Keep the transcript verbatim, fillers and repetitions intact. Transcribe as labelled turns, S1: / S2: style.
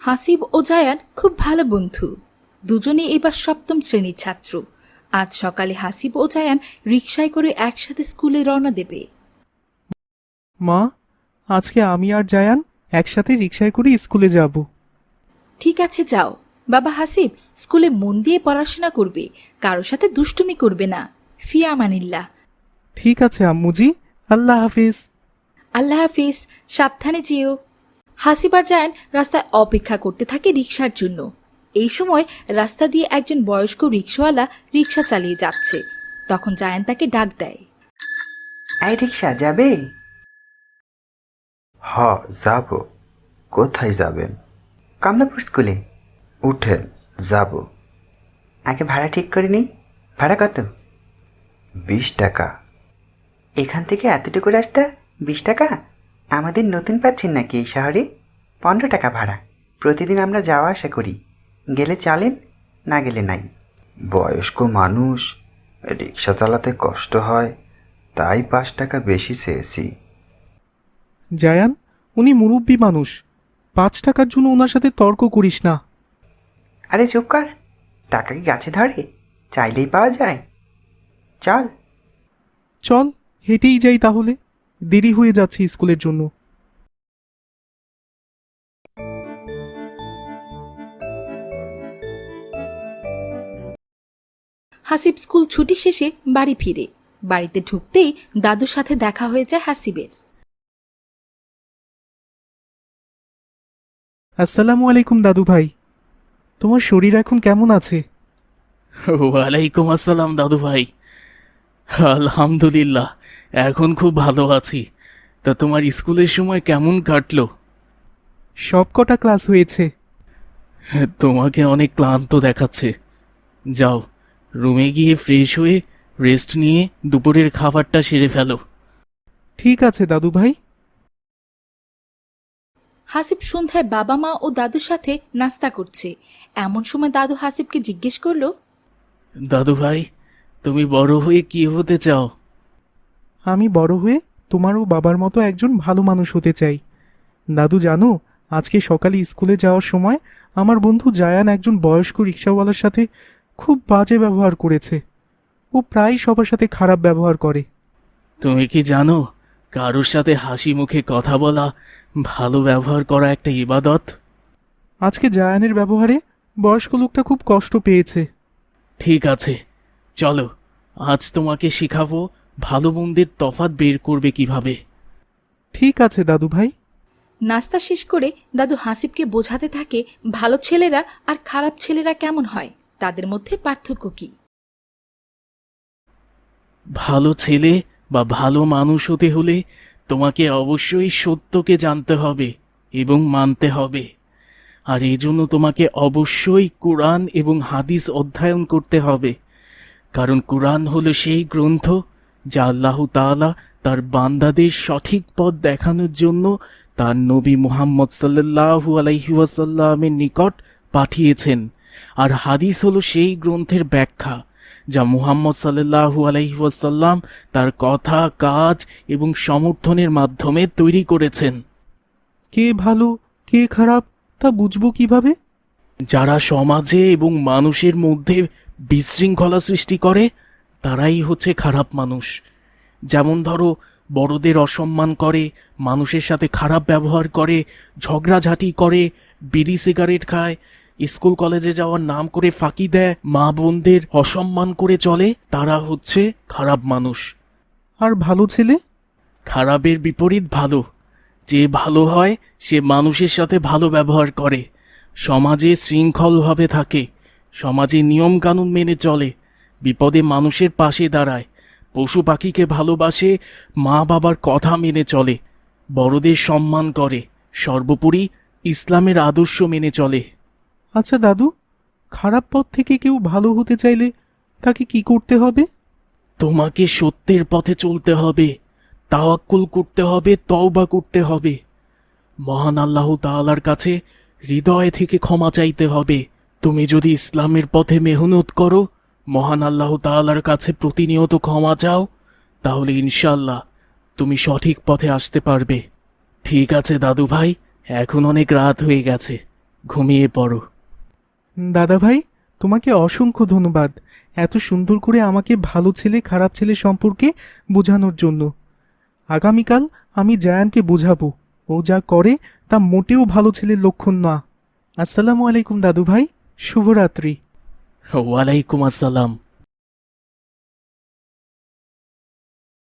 S1: হাসিব ও জায়ান খুব ভালো বন্ধু। দুজনে এবার সপ্তম শ্রেণীর ছাত্র। আজ সকালে হাসিব ও জায়ান রিকশায় করে একসাথে স্কুলে রওনা দেবে।
S2: মা, আজকে আমি আর জায়ান একসাথে রিকশায় করে স্কুলে যাব।
S1: ঠিক আছে, যাও। বাবা হাসিব, স্কুলে মন দিয়ে পড়াশোনা করবে, কারো সাথে দুষ্টুমি করবে না। ফিয়া আমানিল্লাহ।
S2: ঠিক আছে আম্মুজি, আল্লাহ হাফিজ।
S1: আল্লাহ হাফিজ, সাবধানে যেও। হাসিব আর জায়ান রাস্তায় অপেক্ষা করতে থাকে রিকশার জন্য। এই সময় রাস্তা দিয়ে একজন বয়স্ক রিকশাওয়ালা রিকশা চালিয়ে যাচ্ছে। তখন জায়ান তাকে ডাক দেয়।
S3: এই রিক্সা যাবে?
S4: হ, যাব। কোথায় যাবেন?
S3: কমলাপুর স্কুলে।
S4: উঠেন, যাব।
S3: আগে ভাড়া ঠিক করে নিই। ভাড়া কত?
S4: বিশ টাকা।
S3: এখান থেকে এতটুকু রাস্তা বিশ টাকা? আমাদের নতুন পাচ্ছেন নাকি এই শহরে? পনেরো টাকা ভাড়া। প্রতিদিন আমরা যাওয়া আসা করি। গেলে চলেন, না গেলে নাই।
S4: বয়স্ক মানুষ, রিক্সা চালাতে কষ্ট হয়, তাই পাঁচ টাকা বেশি চেয়েছি।
S2: জায়ান, উনি মুরব্বী মানুষ, পাঁচ টাকার জন্য ওনার সাথে তর্ক করিস না।
S3: আরে চুপ কর। টাকা কি গাছে ধরে? চাইলেই পাওয়া যায়। চল।
S2: চল, হেঁটেই যাই তাহলে, দেরি হয়ে যাচ্ছে স্কুলের জন্য।
S1: হাসিব স্কুল ছুটি শেষে বাড়ি ফিরে। বাড়িতে ঢুকতেই দাদুর সাথে দেখা হয়ে যায় হাসিবের।
S2: আসসালামু আলাইকুম দাদু ভাই, তোমার শরীর এখন কেমন আছে?
S5: ওয়ালাইকুম আসসালাম দাদু ভাই। আলহামদুলিল্লাহ, এখন খুব ভালো আছি। তা তোমার স্কুলের সময় কেমন কাটলো?
S2: সব কটা ক্লাস হয়েছে।
S5: তোমাকে অনেক ক্লান্ত দেখাচ্ছে। যাও, রুমে গিয়ে ফ্রেশ হয়ে রেস্ট নিয়ে দুপুরের খাবারটা সেরে ফেলো।
S2: ঠিক আছে দাদু ভাই।
S1: হাসিব সন্ধ্যায় বাবা মা ও দাদুর সাথে নাস্তা করছে। এমন সময় দাদু হাসিবকে জিজ্ঞেস করলো।
S5: দাদু ভাই, তুমি বড় হয়ে কি হতে চাও?
S2: আমি বড় হয়ে তোমার ও বাবার মতো একজন ভালো মানুষ হতে চাই। দাদু জানো, আজকে সকালে স্কুলে যাওয়ার সময় আমার বন্ধু জায়ান একজন বয়স্ক রিক্সাওয়ালার সাথে খুব বাজে ব্যবহার করেছে। ও প্রায় সবার সাথে খারাপ ব্যবহার করে।
S5: তুমি কি জানো, কারোর সাথে হাসি মুখে কথা বলা, ভালো ব্যবহার করা একটা ইবাদত?
S2: আজকে জায়ানের ব্যবহারে বয়স্ক লোকটা খুব কষ্ট পেয়েছে।
S5: ঠিক আছে, চলো, আজ তোমাকে শিখাবো ভালো মন্দের তফাৎ বের করবে কিভাবে।
S2: ঠিক আছে দাদু ভাই।
S1: নাস্তা শেষ করে দাদু হাসিবকে বোঝাতে থাকে ভালো ছেলেরা আর খারাপ ছেলেরা কেমন হয়, তাদের মধ্যে পার্থক্য কি।
S5: ভালো ছেলে বা ভালো মানুষ হতে হলে তোমাকে অবশ্যই সত্যকে জানতে হবে এবং মানতে হবে। আর এই জন্য তোমাকে অবশ্যই কোরআন এবং হাদিস অধ্যয়ন করতে হবে। কারণ কোরআন হলো সেই গ্রন্থ যা আল্লাহ তাআলা তার বান্দাদের সঠিক পথ দেখানোর জন্য তার নবী মুহাম্মদ সাল্লাল্লাহু আলাইহি ওয়াসাল্লামের নিকট পাঠিয়েছেন। আর হাদিস হলো সেই গ্রন্থের ব্যাখ্যা যা মুহাম্মদ সাল্লাল্লাহু আলাইহি ওয়াসাল্লাম তার কথা, কাজ এবং সমর্থনের মাধ্যমে তৈরি করেছেন।
S2: কে ভালো কে খারাপ তা বুঝবো কিভাবে?
S5: যারা সমাজে এবং মানুষের মধ্যে বিশৃঙ্খলা সৃষ্টি করে তারাই হচ্ছে খারাপ মানুষ। যেমন ধরো, বড়দের অসম্মান করে, মানুষের সাথে খারাপ ব্যবহার করে, ঝগড়াঝাটি করে, বিড়ি সিগারেট খায়, স্কুল কলেজে যাওয়ার নাম করে ফাঁকি দেয়, মা বোনদের অসম্মান করে চলে, তারা হচ্ছে খারাপ মানুষ।
S2: আর ভালো ছেলে?
S5: খারাপের বিপরীত ভালো। যে ভালো হয় সে মানুষের সাথে ভালো ব্যবহার করে, সমাজে শৃঙ্খলভাবে থাকে, সমাজে নিয়মকানুন মেনে চলে, বিপদে মানুষের পাশে দাঁড়ায়, পশু পাখিকে ভালোবাসে, মা বাবার কথা মেনে চলে, বড়দের সম্মান করে, সর্বোপরি ইসলামের আদর্শ মেনে চলে।
S2: আচ্ছা দাদু, খারাপ পথ থেকে কেউ ভালো হতে চাইলে তাকে কি করতে হবে?
S5: তোমাকে সত্যের পথে চলতে হবে, তাওয়াক্কুল করতে হবে, তওবা করতে হবে, মহান আল্লাহ তাআলার কাছে হৃদয় থেকে ক্ষমা চাইতে হবে। তুমি যদি ইসলামের পথে মেহনত করো, মহান আল্লাহ তাআলার কাছে প্রতিনিয়ত ক্ষমা চাও, তাহলে ইনশাআল্লাহ তুমি সঠিক পথে আসতে পারবে। ঠিক আছে দাদু ভাই, এখন অনেক রাত হয়ে গেছে, ঘুমিয়ে পড়ো।
S2: দাদা ভাই, তোমাকে অসংখ্য ধন্যবাদ এত সুন্দর করে আমাকে ভালো ছেলে খারাপ ছেলে সম্পর্কে বোঝানোর জন্য। আগামীকাল আমি জায়ানকে বোঝাবো ও যা করে তা মোটেও ভালো ছেলের লক্ষণ না। আসসালামু আলাইকুম দাদু ভাই, শুভরাত্রি।
S5: ওয়ালাইকুম আসসালাম।